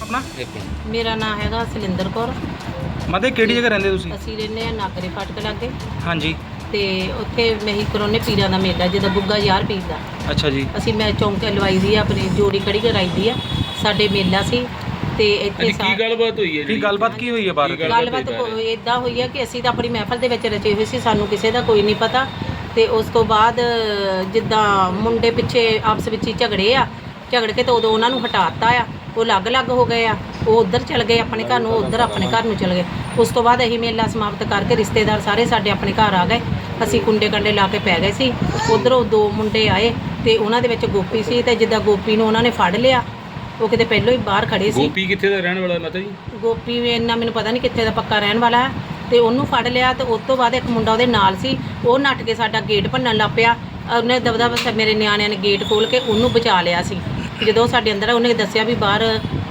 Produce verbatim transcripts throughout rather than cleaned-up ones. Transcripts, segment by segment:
ਆਪਣਾ? ਮੇਰਾ ਨਾਮ ਹੈਗਾ ਸਲਿੰਦਰ ਕੌਰ। ਮਤੇ ਕਿਹੜੀ ਜਗ੍ਹਾ ਰਹਿੰਦੇ ਤੁਸੀਂ? ਅਸੀਂ ਰਹਿੰਦੇ ਆ ਨਾਗਰੇ ਫਾਟਕ ਲਾਗੇ। ਹਾਂਜੀ। ਤੇ ਉੱਥੇ ਮਹੀ ਕਰੋਨੇ ਪੀਰਾਂ ਦਾ ਮੇਲਾ ਜਿਹਦਾ ਗੁੱਗਾ ਯਾਰ ਪੀਰ ਦਾ। ਅੱਛਾ ਜੀ। ਅਸੀਂ ਮੈਂ ਚੌਂਕ ਲਵਾਈ ਦੀ ਆ, ਆਪਣੀ ਜੋੜੀ ਕੜੀ ਕਰਾਈ ਦੀ ਆ। ਸਾਡੇ ਮੇਲਾ ਸੀ ਤੇ ਇੱਥੇ ਕੀ ਗੱਲਬਾਤ ਹੋਈ ਹੈ? ਕੀ ਗੱਲਬਾਤ ਕੀ ਹੋਈ ਹੈ ਬਾਹਰ? ਗੱਲਬਾਤ ਇਦਾਂ ਹੋਈ ਹੈ ਕਿ ਅਸੀਂ ਤਾਂ ਆਪਣੀ ਮਹਿਫਲ ਦੇ ਵਿੱਚ ਰਚੇ ਹੋਏ ਸੀ, ਸਾਨੂੰ ਕਿਸੇ ਦਾ ਕੋਈ ਨਹੀਂ ਪਤਾ। ਤੇ ਉਸ ਤੋਂ ਬਾਅਦ ਜਿੱਦਾਂ ਮੁੰਡੇ ਪਿੱਛੇ ਆਪਸ ਵਿੱਚ ਹੀ ਝਗੜੇ ਆ, ਝਗੜ ਕੇ ਤੇ ਉਦੋਂ ਉਹਨਾਂ ਨੂੰ ਹਟਾਤਾ ਆ। ਉਹ ਅਲੱਗ-ਅਲੱਗ ਹੋ ਗਏ ਆ, ਉਹ ਉੱਧਰ ਚਲ ਗਏ ਆਪਣੇ ਘਰ ਨੂੰ, ਉੱਧਰ ਆਪਣੇ ਘਰ ਨੂੰ ਚਲ ਗਏ। ਉਸ ਤੋਂ ਬਾਅਦ ਅਸੀਂ ਮੇਲਾ ਸਮਾਪਤ ਕਰਕੇ ਰਿਸ਼ਤੇਦਾਰ ਸਾਰੇ ਸਾਡੇ ਆਪਣੇ ਘਰ ਆ ਗਏ। ਅਸੀਂ ਕੁੰਡੇ ਕੰਡੇ ਲਾ ਕੇ ਪੈ ਗਏ ਸੀ। ਉੱਧਰੋਂ ਦੋ ਮੁੰਡੇ ਆਏ ਤੇ ਉਹਨਾਂ ਦੇ ਵਿੱਚ ਗੋਪੀ ਸੀ, ਤੇ ਜਿੱਦਾਂ ਗੋਪੀ ਨੂੰ ਉਹਨਾਂ ਨੇ ਫੜ ਲਿਆ। ਉਹ ਕਿਤੇ ਪਹਿਲਾਂ ਹੀ ਬਾਹਰ ਖੜੇ ਸੀ। ਗੋਪੀ ਕਿੱਥੇ ਦਾ ਰਹਿਣ ਵਾਲਾ ਮਾਤਾ ਜੀ? ਗੋਪੀ ਵੀ ਇੰਨਾ ਮੈਨੂੰ ਪਤਾ ਨਹੀਂ ਕਿੱਥੇ ਦਾ ਪੱਕਾ ਰਹਿਣ ਵਾਲਾ ਹੈ। ਤੇ ਉਹਨੂੰ ਫੜ ਲਿਆ ਤੇ ਉਸ ਤੋਂ ਬਾਅਦ ਇੱਕ ਮੁੰਡਾ ਉਹਦੇ ਨਾਲ ਸੀ, ਉਹ ਨੱਠ ਕੇ ਸਾਡਾ ਗੇਟ ਭੰਨਣ ਲੱਗ ਪਿਆ। ਉਹਨੇ ਦਬਦਬ ਮੇਰੇ ਨਿਆਣਿਆਂ ਨੇ ਗੇਟ ਖੋਲ੍ਹ ਕੇ ਉਹਨੂੰ ਬਚਾ ਲਿਆ ਸੀ। ਜਦੋਂ ਸਾਡੇ ਅੰਦਰ ਉਹਨੇ ਦੱਸਿਆ ਵੀ ਬਾਹਰ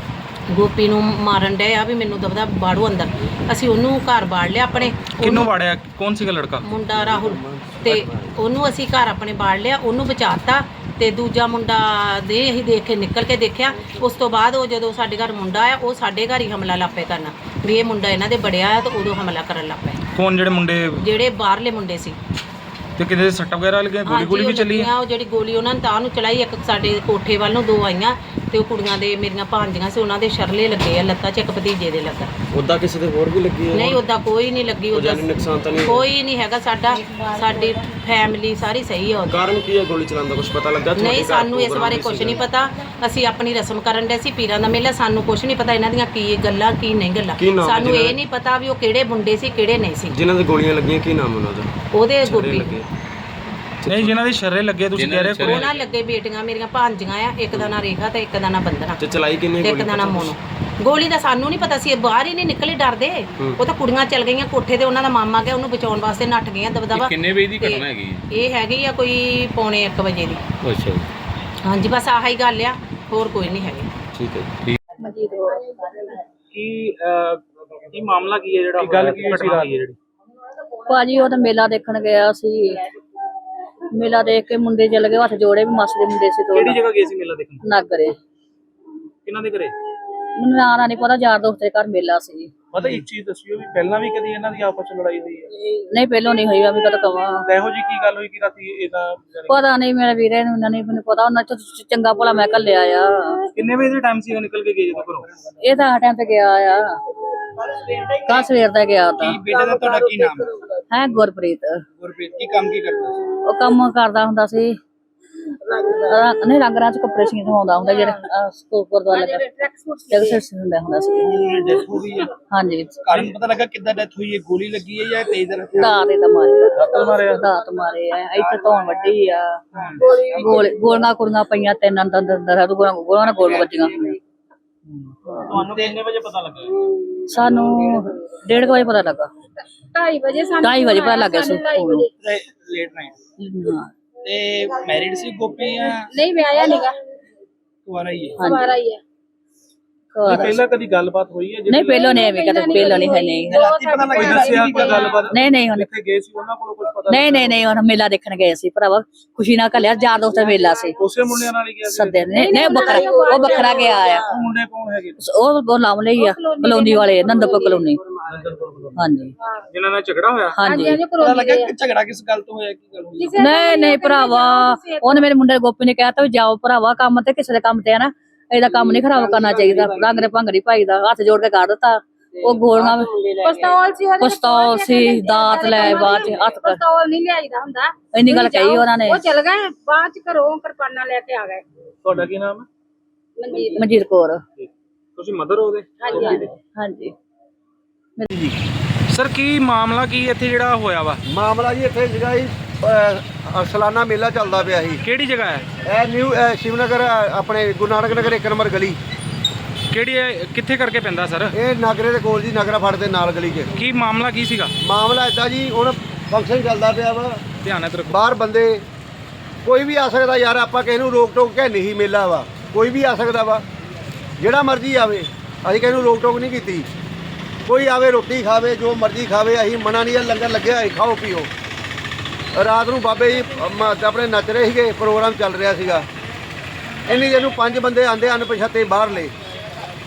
ਗੋਪੀ ਨੂੰ ਮਾਰਨ ਡਏ ਆ, ਵੀ ਮੈਨੂੰ ਦਬਦਾ ਬਾੜੂ ਅੰਦਰ। ਅਸੀਂ ਉਹਨੂੰ ਘਰ ਬਾੜ ਲਿਆ ਆਪਣੇ। ਕਿਹਨੂੰ ਵਾੜਿਆ? ਕੌਣ ਸੀਗਾ ਲੜਕਾ? ਮੁੰਡਾ ਰਾਹੁਲ। ਤੇ ਉਹਨੂੰ ਅਸੀਂ ਘਰ ਆਪਣੇ ਬਾੜ ਲਿਆ, ਉਹਨੂੰ ਬਚਾਤਾ। ਤੇ ਦੂਜਾ ਮੁੰਡਾ ਦੇ ਅਸੀਂ ਦੇਖ ਕੇ ਨਿਕਲ ਕੇ ਦੇਖਿਆ। ਉਸ ਤੋਂ ਬਾਅਦ ਉਹ ਜਦੋਂ ਸਾਡੇ ਘਰ ਮੁੰਡਾ ਆਇਆ, ਉਹ ਸਾਡੇ ਘਰ ਹੀ ਹਮਲਾ ਲੱਗ ਪਏ ਕਰਨਾ ਵੀ ਇਹ ਮੁੰਡਾ ਇਹਨਾਂ ਦੇ ਬੜਿਆ ਆ। ਤੇ ਉਦੋਂ ਹਮਲਾ ਕਰਨ ਲੱਗ ਪਏ। ਕੌਣ? ਜਿਹੜੇ ਮੁੰਡੇ ਜਿਹੜੇ ਬਾਹਰਲੇ ਮੁੰਡੇ ਸੀ। ਤੇ ਕਿਤੇ ਸੱਟ ਵਗੈਰਾ ਲੱਗੀਆਂ? ਗੋਲੀ ਗੋਲੀ ਵੀ ਚੱਲੀ ਆ? ਉਹ ਜਿਹੜੀ ਗੋਲੀ ਉਹਨਾਂ ਨੇ ਤਾਂ ਨੂੰ ਚਲਾਈ, ਇੱਕ ਸਾਡੇ ਕੋਠੇ ਵੱਲ ਨੂੰ ਦੋ ਆਈਆਂ। ਤੇ ਉਹ ਕੁੜੀਆਂ ਦੇ ਮੇਰੀਆਂ ਭਾਂਜੀਆਂ ਸੀ, ਉਹਨਾਂ ਦੇ ਸ਼ਰਲੇ ਲੱਗੇ ਆ ਲੱਤਾਂ 'ਚ, ਇੱਕ ਭਤੀਜੇ ਦੇ ਲੱਗਾ। ਉੱਦਾਂ ਕਿਸੇ ਦੇ ਹੋਰ ਵੀ ਲੱਗੀ ਹੈ? ਨਹੀਂ, ਉੱਦਾਂ ਕੋਈ ਨਹੀਂ ਲੱਗੀ। ਉਹਦਾ ਨੁਕਸਾਨ ਤਾਂ ਨਹੀਂ ਕੋਈ ਨਹੀਂ ਹੈਗਾ। ਸਾਡਾ ਸਾਡੀ ਫੈਮਿਲੀ ਸਾਰੀ ਸਹੀ ਆ। ਕਾਰਨ ਕੀ ਹੈ ਗੋਲੀ ਚਲਾਉਣ ਦਾ ਕੁਝ ਪਤਾ ਲੱਗਾ? ਨਹੀਂ, ਸਾਨੂੰ ਇਸ ਬਾਰੇ ਕੁਝ ਨਹੀਂ ਪਤਾ। ਅਸੀਂ ਆਪਣੀ ਰਸਮ ਕਰਨ ਦੇ ਸੀ, ਪੀਰਾਂ ਦਾ ਮੇਲਾ। ਸਾਨੂੰ ਕੁਝ ਨਹੀਂ ਪਤਾ ਇਹਨਾਂ ਦੀਆਂ ਕੀ ਗੱਲਾਂ ਕੀ ਨਹੀਂ ਗੱਲਾਂ। ਸਾਨੂੰ ਇਹ ਨਹੀਂ ਪਤਾ ਵੀ ਉਹ ਕਿਹੜੇ ਮੁੰਡੇ ਸੀ ਕਿਹੜੇ ਨਹੀਂ ਸੀ। ਜਿਨ੍ਹਾਂ ਦੇ ਗੋਲੀਆਂ ਲੱਗੀਆਂ ਕੀ ਨਾਮ ਉਹਨਾਂ ਦਾ? ਉਹਦੇ ਗੋਪੀ। ਨਹੀਂ, ਜਿਨ੍ਹਾਂ ਦੇ ਸ਼ਰਰੇ ਲੱਗੇ ਤੁਸੀਂ ਕਹਿ ਰਹੇ ਹੋ? ਉਹਨਾਂ ਲੱਗੇ ਬੇਟੀਆਂ ਮੇਰੀਆਂ ਭਾਂਜੀਆਂ ਆ, ਇੱਕ ਦਾ ਨਾਂ ਰੇਖਾ ਤੇ ਇੱਕ ਦਾ ਨਾਂ ਬੰਦਨਾ। ਤੇ ਚਲਾਈ ਕਿੰਨੀ ਗੋਲੀ? ਇੱਕ ਦਾ ਨਾਂ ਮੋਨੋ। ਗੋਲੀ ਦਾ ਸਾਨੂੰ ਨਹੀਂ ਪਤਾ ਸੀ, ਬਾਹਰ ਹੀ ਨਹੀਂ ਨਿਕਲੇ ਡਰਦੇ। ਉਹ ਤਾਂ ਕੁੜੀਆਂ ਚੱਲ ਗਈਆਂ ਕੋਠੇ ਤੇ, ਉਹਨਾਂ ਦਾ ਮਾਮਾ ਗਿਆ ਉਹਨੂੰ ਬਚਾਉਣ ਵਾਸਤੇ, ਨੱਠ ਗਈਆਂ ਦਬਦਬਾ। ਕਿੰਨੇ ਵਜੇ ਦੀ ਘਟਨਾ ਹੈਗੀ? ਇਹ ਹੈਗੀ ਆ ਕੋਈ ਪੌਣੇ ਇੱਕ ਵਜੇ ਦੀ। ਅੱਛਾ ਜੀ। ਹਾਂਜੀ, ਬਸ ਆਹੀ ਗੱਲ ਆ, ਹੋਰ ਕੋਈ ਨਹੀਂ ਹੈਗੀ। ਠੀਕ ਹੈ। ਕੀ ਕੀ ਮਾਮਲਾ ਕੀ ਹੈ ਜਿਹੜਾ ਗੱਲ ਕੀ ਸੀ ਰਾਤ ਦੀ? ਭਾਜੀ ਉਹ ਤਾਂ ਮੇਲਾ ਦੇਖਣ ਗਿਆ ਸੀ। ਮੇਲਾ ਦੇਖ ਕੇ ਮੁੰਡੇ ਚਲੇ ਗਏ, ਹੱਥ ਜੋੜੇ ਵੀ ਮਾਸੀ ਦੇ ਮੁੰਡੇ ਸੀ। ਕਿਹੜੀ ਜਗ੍ਹਾ ਗਏ ਸੀ ਮੇਲਾ ਦੇਖਣ? ਨਾਗਰੇ। ਕਿਹਨਾਂ ਦੇ ਘਰੇ? ਮੈਨੂੰ ਨਾਂ ਨਹੀਂ ਪਤਾ, ਯਾਰ ਦੋਸਤ ਦੇ ਘਰ ਮੇਲਾ ਸੀ। ਪਤਾ ਇੱਕ ਚੀਜ਼ ਦੱਸਿਓ ਵੀ ਪਹਿਲਾਂ ਵੀ ਕਦੀ ਇਹਨਾਂ ਦੀ ਆਪਸ ਵਿੱਚ ਲੜਾਈ ਹੋਈ ਹੈ? ਨਹੀਂ, ਪਹਿਲੋਂ ਨਹੀਂ ਹੋਈ। ਮੈਂ ਕਦੋਂ ਕਵਾਂ ਇਹੋ ਜੀ ਕੀ ਗੱਲ ਹੋਈ ਕਿ ਰਾਤੀ ਇਹਦਾ? ਪਤਾ ਨਹੀਂ, ਮੇਰੇ ਵੀਰੇ ਨੂੰ ਨਹੀਂ ਮੈਨੂੰ ਪਤਾ। ਉਹਨਾਂ ਚ ਚੰਗਾ ਭਲਾ ਮੈਂ ਘੱਲਿਆ ਆ। ਕਿੰਨੇ ਵਜੇ ਦੇ ਟਾਈਮ ਸੀ ਉਹ ਨਿਕਲ ਕੇ ਗਏ ਜਦੋਂ ਘਰੋਂ? ਇਹ ਤਾਂ ਆ ਟਾਈਮ ਤੇ ਗਿਆ ਆ, ਕੱਲ ਸਵੇਰ ਦਾ ਗਿਆ ਤਾਂ। ਕੀ ਬੇਟੇ ਦਾ ਤੁਹਾਡਾ ਕੀ ਨਾਮ ਹੈ? ਗੁਰਪ੍ਰੀਤ। ਗੁਰਪ੍ਰੀਤ ਕੀ ਕੰਮ ਕੀ ਕਰਦਾ ਸੀ? ਉਹ ਕੰਮ ਕਰਦਾ ਹੁੰਦਾ ਸੀ, ਨਹੀਂ ਰੰਗਰਾਂ ਚ ਕੱਪੜੇ ਸੀ ਧਵਾਉਂਦਾ ਹੁੰਦਾ, ਜਿਹੜੇ ਸਕੂਲ ਗੁਰਦੁਆਰਾ ਲੱਗਾ ਹੁੰਦਾ ਹੁੰਦਾ ਸੀ। ਡੈਥ ਹੋ ਗਈ ਹੈ? ਹਾਂਜੀ। ਕਾਰਨ ਪਤਾ ਲੱਗਾ ਕਿੱਦਾਂ ਡੈਥ ਹੋਈ ਹੈ? ਗੋਲੀ ਲੱਗੀ ਹੈ ਜਾਂ ਤੇਜ਼ ਦਰ? ਦਾਤ ਇਹਦਾ ਮਾਰੇ। ਦਾਤਲ ਮਾਰਿਆ? ਦਾਤ ਮਾਰੇ ਆ, ਇੱਥੇ ਧੌਣ ਵੱਡੀ ਆ। ਗੋਲੀ ਗੋਲੀਆਂ ਕੁੜੀਆਂ ਪਈਆਂ ਤਿੰਨ ਅੰਦਰ ਅੰਦਰ। ਉਹ ਗੋਲੀਆਂ ਗੋਲੀਆਂ ਨਾਲ ਗੋਲ ਵੱਜੀਆਂ। ਤੁਹਾਨੂੰ ਕਿੰਨੇ ਵਜੇ ਪਤਾ ਲੱਗਾ? ਸਾਨੂੰ ਡੇਢ ਵਜੇ ਪਤਾ ਲੱਗਾ। ਢਾਈ ਵਜੇ ਸਾਨੂੰ ਢਾਈ ਵਜੇ ਪਤਾ ਲੱਗਿਆ ਸੀ। Late night. ਤੇ ਮੈਰਿਡ ਸੀ ਗੋਪੀ ਜਾਂ ਨਹੀਂ ਵਿਆਹਿਆ ਨੀਗਾ, ਕੁਆਰਾ ਹੀ ਹੈ? ਕੁਆਰਾ ਹੀ ਹੈ। ਪਹਿਲਾਂ ਕਦੀ ਗੱਲਬਾਤ ਹੋਈ ਹੈ? ਨਹੀਂ, ਪਹਿਲੋਂ ਨਹੀਂ ਐਵੇਂ ਕਦੇ, ਪਹਿਲੋਂ ਨਹੀਂ ਹੈ। ਨਹੀਂ ਕੋਈ ਦੱਸਿਆ ਕੋਈ ਗੱਲਬਾਤ? ਨਹੀਂ ਨਹੀਂ, ਉਹਨੇ ਕਿੱਥੇ ਗਏ ਸੀ ਉਹਨਾਂ ਕੋਲ ਕੁਝ ਪਤਾ? ਨਹੀਂ ਨਹੀਂ ਨਹੀਂ, ਉਹਨੇ ਮੇਲਾ ਦੇਖਣ ਗਏ ਸੀ ਭਰਾਵਾ, ਖੁਸ਼ੀ ਨਾਲ ਘੱਲਿਆ। ਯਾਰ ਦੋਸਤ ਦਾ ਮੇਲਾ ਸੀ। ਉਸੇ ਮੁੰਡਿਆਂ ਨਾਲ ਹੀ ਗਿਆ ਸੀ? ਸੱਦੇ ਨਹੀਂ ਨਹੀਂ, ਬੱਕਰਾ ਉਹ ਬੱਕਰਾ ਗਿਆ ਆ। ਉਹ ਮੁੰਡੇ ਕੌਣ ਹੈਗੇ? ਉਹ ਉਹ ਲਾਮ ਲਈ ਆ, ਕਲੋਨੀ ਵਾਲੇ, ਨੰਦਪੁਰ ਕਲੋਨੀ। ਹਾਂਜੀ। ਜਿਨ੍ਹਾਂ ਨਾਲ ਝਗੜਾ ਹੋਇਆ? ਹਾਂਜੀ। ਪਤਾ ਲੱਗਾ ਝਗੜਾ ਕਿਸ ਗੱਲ ਤੋਂ ਹੋਇਆ? ਕੀ ਗੱਲ ਹੋਈ? ਨਹੀਂ ਨਹੀਂ ਭਰਾਵਾ, ਉਹਨੇ ਮੇਰੇ ਮੁੰਡੇ ਗੋਪੀ ਨੇ ਕਹਿਤਾ ਵੀ ਜਾਓ ਭਰਾਵਾ ਕੰਮ ਤੇ, ਕਿਸੇ ਦੇ ਕੰਮ ਤੇ ਆ ਨਾ, ਇਹਦਾ ਕੰਮ ਨਹੀਂ ਖਰਾਬ ਕਰਨਾ ਚਾਹੀਦਾ। ਰੰਗ ਦੇ ਭੰਗੜੀ ਭਾਈ ਦਾ ਹੱਥ ਜੋੜ ਕੇ ਕੱਢ ਦਿੱਤਾ। ਉਹ ਗੋਲੀਆਂ ਪਿਸਤੌਲ ਸੀ, ਪਿਸਤੌਲ ਸੀ, ਦਾਤ ਲੈ ਬਾਅਦ ਚ ਹੱਥ। ਪਿਸਤੌਲ ਨਹੀਂ ਲਿਆਈਦਾ ਹੁੰਦਾ। ਇੰਨੀ ਗੱਲ ਕਹੀ ਉਹਨਾਂ ਨੇ। ਉਹ ਚਲ ਗਏ, ਬਾਅਦ ਚ ਘਰੋਂ ਕਿਰਪਾਨਾਂ ਲੈ ਕੇ ਆ ਗਏ। ਤੁਹਾਡਾ ਕੀ ਨਾਮ ਹੈ? ਮਨਜੀਤ। ਮਨਜੀਤ ਕੌਰ। ਤੁਸੀਂ ਮਦਰ ਹੋ ਉਹਦੇ? ਹਾਂਜੀ ਹਾਂਜੀ। ਸਰ ਕੀ ਮਾਮਲਾ ਕੀ ਇੱਥੇ ਜਿਹੜਾ ਹੋਇਆ ਵਾ? ਮਾਮਲਾ ਜੀ ਇੱਥੇ ਸੀਗਾ ਜੀ, ਸਾਲਾਨਾ ਮੇਲਾ ਚੱਲਦਾ ਪਿਆ ਸੀ। ਕਿਹੜੀ ਜਗ੍ਹਾ ਹੈ ਇਹ? ਨਿਊ ਸ਼ਿਵਨਗਰ, ਆਪਣੇ ਗੁਰੂ ਨਾਨਕ ਨਗਰ ਇੱਕ ਨੰਬਰ ਗਲੀ। ਕਿਹੜੀ ਹੈ, ਕਿੱਥੇ ਕਰਕੇ ਪੈਂਦਾ ਸਰ? ਇਹ ਨਾਗਰੇ ਦੇ ਕੋਲ ਜੀ, ਨਾਗਰਾ ਫੜ ਦੇ ਨਾਲ ਗਲੀ 'ਚ। ਕੀ ਮਾਮਲਾ ਕੀ ਸੀਗਾ? ਮਾਮਲਾ ਇੱਦਾਂ ਜੀ, ਹੁਣ ਫੰਕਸ਼ਨ ਚੱਲਦਾ ਪਿਆ ਵਾ, ਧਿਆਨ ਨਾਲ ਰੱਖੋ। ਬਾਹਰ ਬੰਦੇ ਕੋਈ ਵੀ ਆ ਸਕਦਾ ਯਾਰ, ਆਪਾਂ ਕਿਸੇ ਨੂੰ ਰੋਕ ਟੋਕ ਕੇ ਨਹੀਂ ਮੇਲਾ ਵਾ, ਕੋਈ ਵੀ ਆ ਸਕਦਾ ਵਾ, ਜਿਹੜਾ ਮਰਜ਼ੀ ਆਵੇ। ਅਸੀਂ ਕਿਸੇ ਨੂੰ ਰੋਕ ਟੋਕ ਨਹੀਂ ਕੀਤੀ। ਕੋਈ ਆਵੇ ਰੋਟੀ ਖਾਵੇ, ਜੋ ਮਰਜ਼ੀ ਖਾਵੇ, ਅਸੀਂ ਮਨਾ ਨਹੀਂ। ਲੰਗਰ ਲੱਗਿਆ ਹੈ, ਖਾਓ ਪੀਓ। ਰਾਤ ਨੂੰ ਬਾਬੇ ਜੀ ਆਪਣੇ ਨੱਚ ਰਹੇ ਸੀਗੇ, ਪ੍ਰੋਗਰਾਮ ਚੱਲ ਰਿਹਾ ਸੀਗਾ। ਇੰਨੀ ਜਿਹਨੂੰ ਪੰਜ ਬੰਦੇ ਆਂਦੇ ਅਣਪਛਾਤੇ ਬਾਹਰਲੇ,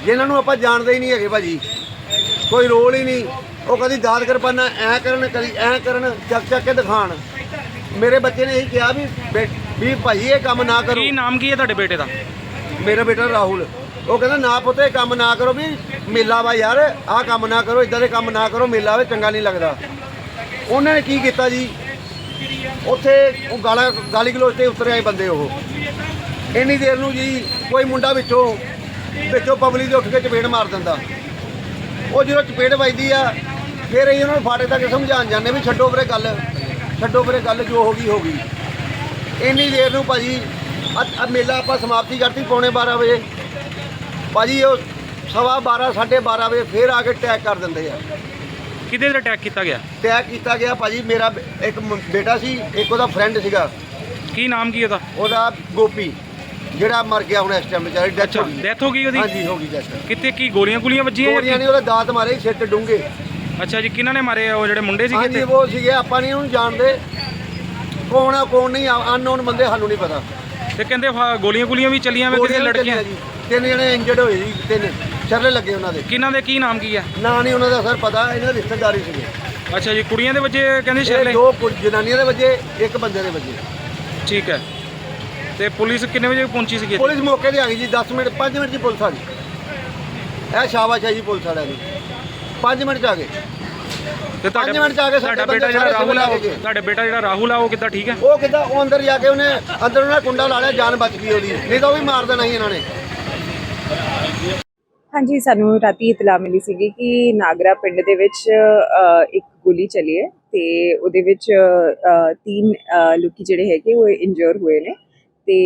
ਜਿਨ੍ਹਾਂ ਨੂੰ ਆਪਾਂ ਜਾਣਦੇ ਹੀ ਨਹੀਂ ਹੈਗੇ ਭਾਜੀ, ਕੋਈ ਰੋਲ ਹੀ ਨਹੀਂ। ਉਹ ਕਦੀ ਦਾਦ ਕਿਰਪਾਨਾਂ ਐਂ ਕਰਨ, ਕਦੀ ਐਂ ਕਰਨ, ਚੱਕ ਚੱਕ ਕੇ ਦਿਖਾਣ। ਮੇਰੇ ਬੱਚੇ ਨੇ ਇਹੀ ਕਿਹਾ ਵੀ ਬੇ- ਵੀ ਭਾਈ ਇਹ ਕੰਮ ਨਾ ਕਰੋ। ਕੀ ਨਾਮ ਕੀ ਹੈ ਤੁਹਾਡੇ ਬੇਟੇ ਦਾ? ਮੇਰਾ ਬੇਟਾ ਰਾਹੁਲ, ਉਹ ਕਹਿੰਦਾ ਨਾ ਪੁੱਤ ਇਹ ਕੰਮ ਨਾ ਕਰੋ, ਵੀ ਮੇਲਾ ਵਾ ਯਾਰ, ਆਹ ਕੰਮ ਨਾ ਕਰੋ, ਇਦਾਂ ਦੇ ਕੰਮ ਨਾ ਕਰੋ, ਮੇਲਾ ਵੇ ਚੰਗਾ ਨਹੀਂ ਲੱਗਦਾ। ਉਹਨਾਂ ਨੇ ਕੀ ਕੀਤਾ ਜੀ, ਉੱਥੇ ਉਹ ਗਾਲਾਂ ਗਾਲੀ ਗਲੋਚ ਤੇ ਉਤਰੇ ਆਏ ਬੰਦੇ। ਉਹ ਇੰਨੀ ਦੇਰ ਨੂੰ ਜੀ ਕੋਈ ਮੁੰਡਾ ਵਿੱਚੋਂ ਵਿੱਚੋਂ ਪਬਲਿਕ ਦੇ ਉੱਠ ਕੇ ਚਪੇੜ ਮਾਰ ਦਿੰਦਾ। ਉਹ ਜਦੋਂ ਚਪੇੜ ਵੱਜਦੀ ਆ ਫਿਰ ਅਸੀਂ ਉਹਨਾਂ ਨੂੰ ਫਾਟੇ ਤੱਕ ਸਮਝਾਉਣ ਜਾਂਦੇ ਵੀ ਛੱਡੋ ਵੀਰੇ ਗੱਲ, ਛੱਡੋ ਵੀਰੇ ਗੱਲ, ਜੋ ਹੋ ਗਈ ਹੋ ਗਈ। ਇੰਨੀ ਦੇਰ ਨੂੰ ਭਾਜੀ ਆ ਮੇਲਾ ਆਪਾਂ ਸਮਾਪਤੀ ਕਰਤੀ ਪੌਣੇ ਬਾਰਾਂ ਵਜੇ। ਭਾਜੀ ਉਹ ਸਵਾ ਬਾਰਾਂ ਸਾਢੇ ਬਾਰਾਂ ਵਜੇ ਫਿਰ ਆ ਕੇ ਟੈਗ ਕਰ ਦਿੰਦੇ ਆ। ਕਿਹਦੇ ਤੇ ਅਟੈਕ ਕੀਤਾ ਗਿਆ? ਟੈਗ ਕੀਤਾ ਗਿਆ ਭਾਜੀ, ਮੇਰਾ ਬ- ਇੱਕ ਮ- ਬੇਟਾ ਸੀ, ਇੱਕ ਉਹਦਾ ਫਰੈਂਡ ਸੀਗਾ, ਕੀ ਨਾਮ ਕੀ ਉਹਦਾ? ਉਹਦਾ ਗੋਪੀ, ਜਿਹੜਾ ਮਰ ਗਿਆ ਹੁਣ ਇਸ ਟਾਈਮ ਵਿਚਾਰੇ, ਡੈਥ ਅੱਛਾ, ਹੋ ਗਈ। ਡੈਥ ਹੋ ਗਈ ਉਹਦੀ? ਹਾਂਜੀ ਹੋ ਗਈ ਡੈਥ। ਕਿੱਥੇ ਕੀ ਗੋਲੀਆਂ ਗੋਲੀਆਂ ਵੱਜੀਆਂ ਜਾਂ ਗੋਲੀਆਂ ਕੀ? ਨਹੀਂ, ਉਹਦਾ ਦਾਤ ਮਾਰੇ ਸਿਰ ਤੇ ਡੂੰਘੇ। ਅੱਛਾ ਜੀ, ਕਿਹਨਾਂ ਨੇ ਮਾਰੇ ਆ? ਉਹ ਜਿਹੜੇ ਮੁੰਡੇ ਸੀਗੇ ਹਾਂਜੀ ਤੇ? ਉਹ ਸੀਗੇ, ਆਪਾਂ ਨਹੀਂ ਉਹਨੂੰ ਜਾਣਦੇ, ਕੌਣ ਆ ਕੌਣ ਨਹੀਂ, ਅਨਨੋਨ ਬੰਦੇ, ਸਾਨੂੰ ਨਹੀਂ ਪਤਾ। ਤੇ ਕਹਿੰਦੇ ਫਾ- ਗੋਲੀਆਂ ਗੋਲੀਆਂ ਵੀ ਚੱਲੀਆਂ ਵੇ, ਕਿਤੇ ਗੋਲੀਆਂ ਵੀ ਲੜਕੀਆਂ? ਚੱਲੀਆਂ ਜੀ, ਤਿੰਨ ਜਣੇ ਇੰਜਰਡ ਹੋਏ ਜੀ, ਤਿੰਨ ਛਰਲੇ ਲੱਗੇ ਉਹਨਾਂ ਦੇ। ਕਿਹਨਾਂ ਦੇ ਕੀ ਨਾਮ ਕੀ ਹੈ? ਨਾਂ ਨਹੀਂ ਉਹਨਾਂ ਦਾ ਸਰ ਪਤਾ, ਇਹਨਾਂ ਦੇ ਰਿਸ਼ਤੇਦਾਰੀ ਸੀਗੇ। ਅੱਛਾ ਜੀ, ਕੁੜੀਆਂ ਦੇ ਵਜੇ ਕਹਿੰਦੇ ਇਹ ਸ਼ਰਲੇ? ਦੋ ਕੁ- ਜਨਾਨੀਆਂ ਦੇ ਵਜੇ, ਇੱਕ ਬੰਦੇ ਦੇ ਵਜੇ। ਠੀਕ ਹੈ। ਤੇ ਪੁਲਿਸ ਕਿੰਨੇ ਵਜੇ ਪਹੁੰਚੀ ਸੀਗੀ? ਪੁਲਿਸ ਮੌਕੇ ਤੇ ਆ ਗਈ ਜੀ, ਦਸ ਮਿੰਟ ਪੰਜ ਮਿੰਟ 'ਚ ਪੁਲਿਸ ਆ ਗਈ। ਇਹ ਸ਼ਾਬਾਸ਼ ਹੈ ਜੀ ਪੁਲਿਸ ਵਾਲਿਆਂ ਦੀ, ਪੰਜ ਮਿੰਟ 'ਚ ਆ ਗਏ। ਤੇ ਤੁਹਾਡੇ ਪੰਜ ਮਿੰਟ 'ਚ ਆ ਕੇ ਸਾਡੇ ਤੁਹਾਡਾ ਬੇਟਾ ਬੰਦੇ ਜਿਹੜਾ ਸਾਰੇ ਰਾਹੁਲ ਆ, ਲੈ ਉਹ- ਕੇ ਗਏ। ਤੁਹਾਡਾ ਬੇਟਾ ਜਿਹੜਾ ਰਾਹੁਲ ਆ, ਉਹ ਕਿੱਦਾਂ ਠੀਕ ਹੈ? ਉਹ ਕਿੱਦਾਂ, ਉਹ ਅੰਦਰ ਜਾ ਕੇ ਉਹਨੇ ਅੰਦਰ ਉਹਨਾਂ ਕੁੰਡਾ ਲਾ ਲਿਆ, ਜਾਨ ਬਚ ਗਈ ਉਹਦੀ, ਨਹੀਂ ਤਾਂ ਉਹ ਵੀ ਮਾਰ ਦੇਣਾ ਸੀ ਇਹਨਾਂ ਨੇ। ਹਾਂਜੀ, ਸਾਨੂੰ ਰਾਤੀ ਇਤਲਾਹ ਮਿਲੀ ਸੀਗੀ ਕਿ ਨਾਗਰਾ ਪਿੰਡ ਦੇ ਵਿੱਚ ਅ, ਇੱਕ ਗੋਲੀ ਚੱਲੀ ਹੈ ਤੇ ਉਹਦੇ ਵਿੱਚ ਅ, ਤਿੰਨ ਅ, ਲੋਕੀ ਜਿਹੜੇ ਹੈਗੇ ਉਹ ਇੰਜਰ ਹੋਏ ਨੇ ਤੇ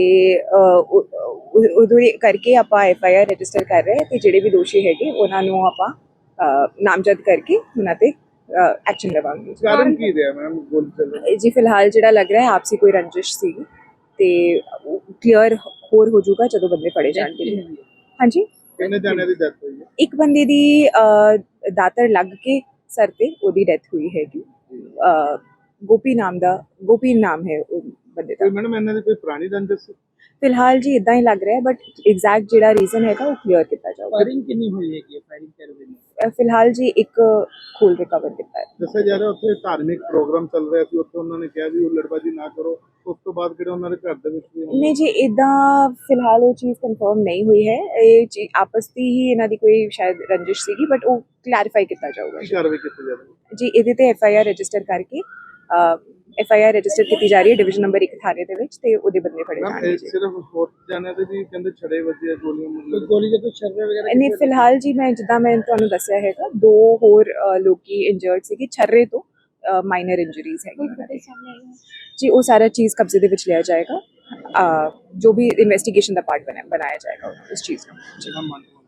ਉਹਦੇ ਕਰਕੇ ਆਪਾਂ ਐਫ ਆਈ ਆਰ ਰਜਿਸਟਰ ਕਰ ਰਹੇ ਤੇ ਜਿਹੜੇ ਵੀ ਦੋਸ਼ੀ ਹੈਗੇ ਉਹਨਾਂ ਨੂੰ ਆਪਾਂ ਅ, ਨਾਮਜ਼ਦ ਕਰਕੇ ਉਹਨਾਂ ਤੇ ਐਕਸ਼ਨ ਲਵਾਂਗੇ। ਕਾਰਨ ਕੀ ਰਿਹਾ ਮੈਮ ਗੋਲੀ ਚੱਲਣ? ਜੀ ਫਿਲਹਾਲ ਜਿਹੜਾ ਲੱਗ ਰਿਹਾ ਹੈ ਆਪਸੀ ਕੋਈ ਰੰਜਿਸ਼ ਸੀਗੀ ਤੇ ਕਲੀਅਰ ਹੋਰ ਹੋ ਜਾਊਗਾ ਜਦੋਂ ਬੰਦੇ ਫੜੇ ਜਾਣਗੇ। ਹਾਂਜੀ, ਕਿੰਨੇ ਜਾਣੇ ਦੀ ਡੈਥ ਹੋਈ ਹੈ? ਇੱਕ ਬੰਦੇ ਦੀ ਅ, ਦਾਤਰ ਲੱਗ ਕੇ ਸਰ ਤੇ ਉਹਦੀ ਡੈਥ ਹੋਈ ਹੈਗੀ। ਅ, ਗੋਪੀ ਨਾਮ ਦਾ ਗੋਪੀ ਨਾਮ ਹੈ ਉਹ ਬੰਦੇ ਦਾ। ਮੈਡਮ ਇਹਨਾਂ ਦੀ ਕੋਈ ਪੁਰਾਣੀ ਰੰਜਿਸ਼ ਸੀ? ਫਿਲਹਾਲ ਜੀ ਇਦਾਂ ਹੀ ਲੱਗ ਰਿਹਾ ਬਟ ਐਗਜ਼ੈਕਟ ਜਿਹੜਾ ਰੀਜ਼ਨ ਹੈਗਾ ਉਹ ਕਲੀਅਰ ਕੀਤਾ ਜਾਊਗਾ। ਫਾਇਰਿੰਗ ਕਿੰਨੀ ਹੋਈ ਹੈਗੀ ਹੈ? ਫਾਇਰਿੰਗ ਕਰ ਰਹੀ ਹੈ? ਅ, ਫਿਲਹਾਲ ਜੀ ਇੱਕ ਖੋਲ ਰਿਕਵਰ ਕੀਤਾ ਹੈ। ਦੱਸਿਆ ਜਾ ਰਿਹਾ ਉੱਥੇ ਧਾਰਮਿਕ ਪ੍ਰੋਗਰਾਮ ਚੱਲ ਰਿਹਾ ਸੀ, ਉੱਥੇ ਉਹਨਾਂ ਨੇ ਕਿਹਾ ਵੀ ਉਹ ਲੜਬਾਜੀ ਨਾ ਕਰੋ, ਉਸ ਤੋਂ ਬਾਅਦ ਕਿਹੜਾ ਉਹਨਾਂ ਦੇ ਘਰ ਦੇ ਵਿੱਚ ਵੀ ਨਹੀਂ ਜੀ, ਇਦਾਂ ਫਿਲਹਾਲ ਉਹ ਚੀਜ਼ ਕਨਫਰਮ ਨਹੀਂ ਹੋਈ ਹੈ। ਇਹ ਚੀ- ਆਪਸ ਦੀ ਹੀ ਇਹਨਾਂ ਦੀ ਕੋਈ ਸ਼ਾਇਦ ਰੰਜਿਸ਼ ਸੀਗੀ ਬਟ ਉਹ ਕਲੈਰੀਫਾਈ ਕੀਤਾ ਜਾਊਗਾ। ਕਾਰਵਾਈ ਕੀਤੀ ਜਾ ਰਹੀ ਹੈ? ਜੀ ਇਹਦੇ ਤੇ ਐਫ ਆਈ ਆਰ ਰਜਿਸਟਰ ਕਰਕੇ ਐਫ ਆਈ ਆਰ ਰਜਿਸਟਰ ਕੀਤੀ ਜਾ ਰਹੀ ਹੈ ਡਿਵੀਜ਼ਨ ਨੰਬਰ ਇੱਕ ਥਾਣੇ ਦੇ ਵਿੱਚ ਤੇ ਉਹਦੇ ਬੰਦੇ ਫੜੇ ਜਾਣਗੇ ਜੀ। ਸਿਰਫ ਹੋਰ ਜਾਣੇ ਦੇ ਵੀ ਕਹਿੰਦੇ ਛੜੇ ਵੱਜੇ ਗੋਲੀਆਂ ਮੁੱਲੇ। ਗੋਲੀ ਦੇ ਕੋਈ ਸ਼ਰਰੇ ਵਗੈਰਾ? ਨਹੀਂ, ਫਿਲਹਾਲ ਜੀ ਮੈਂ ਜਿੱਦਾਂ ਮੈਂ ਤੁਹਾਨੂੰ ਦੱਸਿਆ ਹੈਗਾ ਦੋ ਹੋਰ ਅ, ਲੋਕੀ ਇੰਜਰਡ ਸੀਗੇ ਛਰਰੇ ਤੋਂ, ਮਾਈਨਰ ਇੰਜਰੀਜ਼ ਹੈਗੀ ਜੀ। ਉਹ ਸਾਰਾ ਚੀਜ਼ ਕਬਜ਼ੇ ਦੇ ਵਿੱਚ ਲਿਆ ਜਾਏਗਾ। ਅ, ਜੋ ਵੀ ਇਨਵੈਸਟੀਗੇਸ਼ਨ ਦਾ ਪਾਰਟ ਬਣਾਇਆ ਜਾਏਗਾ ਉਸ ਚੀਜ਼ ਨੂੰ।